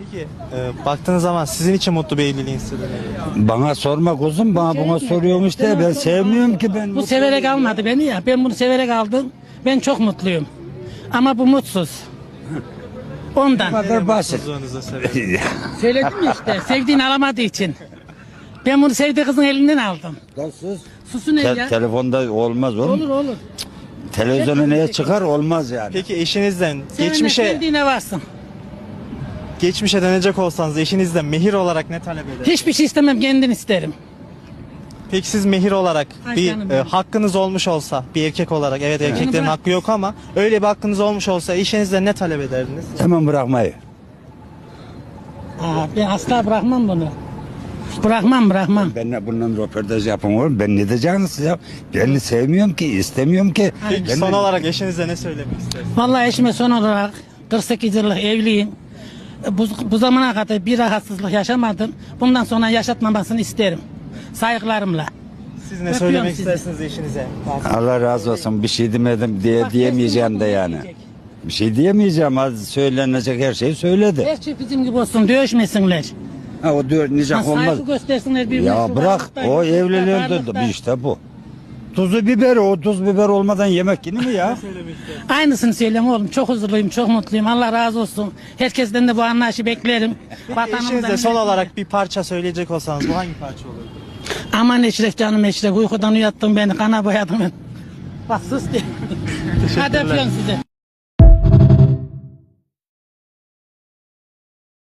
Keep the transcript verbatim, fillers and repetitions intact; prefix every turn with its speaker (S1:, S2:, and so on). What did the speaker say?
S1: Peki e, baktığınız zaman sizin için mutlu bir evliliğin sırrı nedir?
S2: Bana sorma kuzum, bana buna soruyorum işte. Ben sevmiyorum ki ben.
S3: Bu severek almadı beni ya. Ben bunu severek aldım. Ben çok mutluyum. Ama bu mutsuz.
S2: Bu
S3: Ondan.
S2: kadar basit.
S1: Mutsuzluğunuza sebep.
S3: Söyledim ya işte. Sevdiğini alamadığı için. Ben bunu sevdiği kızın elinden aldım.
S2: Lan sus.
S3: Susu ne
S2: Te-
S3: ya?
S2: telefonda olmaz oğlum.
S3: Olur olur.
S2: Televizyona neye çıkar olmaz yani.
S1: Peki eşinizden
S3: Sevene
S1: geçmişe
S3: sevdiğine varsın.
S1: geçmişe dönecek olsanız eşinizden mehir olarak ne talep eder?
S3: Hiçbir şey istemem, kendini isterim.
S1: Peki siz mehir olarak
S3: Ay
S1: bir
S3: canım
S1: e,
S3: benim.
S1: hakkınız olmuş olsa bir erkek olarak, evet erkeklerin
S3: bırak.
S1: hakkı yok ama öyle bir hakkınız olmuş olsa eşinizden ne talep ederdiniz?
S2: Hemen bırakmayı.
S3: Aa, ben asla bırakmam bunu. Bırakmam bırakmam.
S2: Ben bundan röportaj yapın oğlum. Ben ne diyeceksiniz ya? Ben sevmiyorum ki, istemiyorum ki.
S1: Peki
S2: Ben
S1: son
S2: de-
S1: olarak eşinize ne söylemek istersiniz?
S3: Vallahi eşime son olarak kırk sekiz yıllık evliyim. Bu, bu zamana kadar bir rahatsızlık yaşamadım. Bundan sonra yaşatmamasını isterim. Saygılarımla.
S1: Siz ne
S3: Öpüyorum
S1: söylemek
S3: sizi.
S1: istersiniz eşinize?
S2: Allah razı olsun. Bir şey demedim diye
S3: Bak,
S2: diyemeyeceğim de
S3: kesin
S2: yani.
S3: diyecek.
S2: Bir şey diyemeyeceğim. Az söylenecek her şeyi söyledi.
S3: Her şey bizim gibi olsun, dövüşmesinler.
S2: Ha o diyor
S3: Ha,
S2: nicak olmaz.
S3: saygı göstersinler birbirine.
S2: Ya
S3: Şu
S2: bırak
S3: varlıkta,
S2: o
S3: yoklukta,
S2: evliliğin
S3: varlıkta.
S2: de işte bu. Tuzu biber o tuz biber olmadan yemek yenir mi ya?
S3: Aynısını söyleyeyim oğlum. Çok huzurluyum, çok mutluyum. Allah razı olsun. Herkesten de bu anlayışı beklerim. Vatanımızdan
S1: Eşinize son
S3: milletimize.
S1: olarak bir parça söyleyecek olsanız bu hangi parça olurdu?
S3: Aman Eşref canım Eşref. Uykudan uyattın beni, kana boyadın beni. Bak sus diye. Hadi öpüyorum sizi.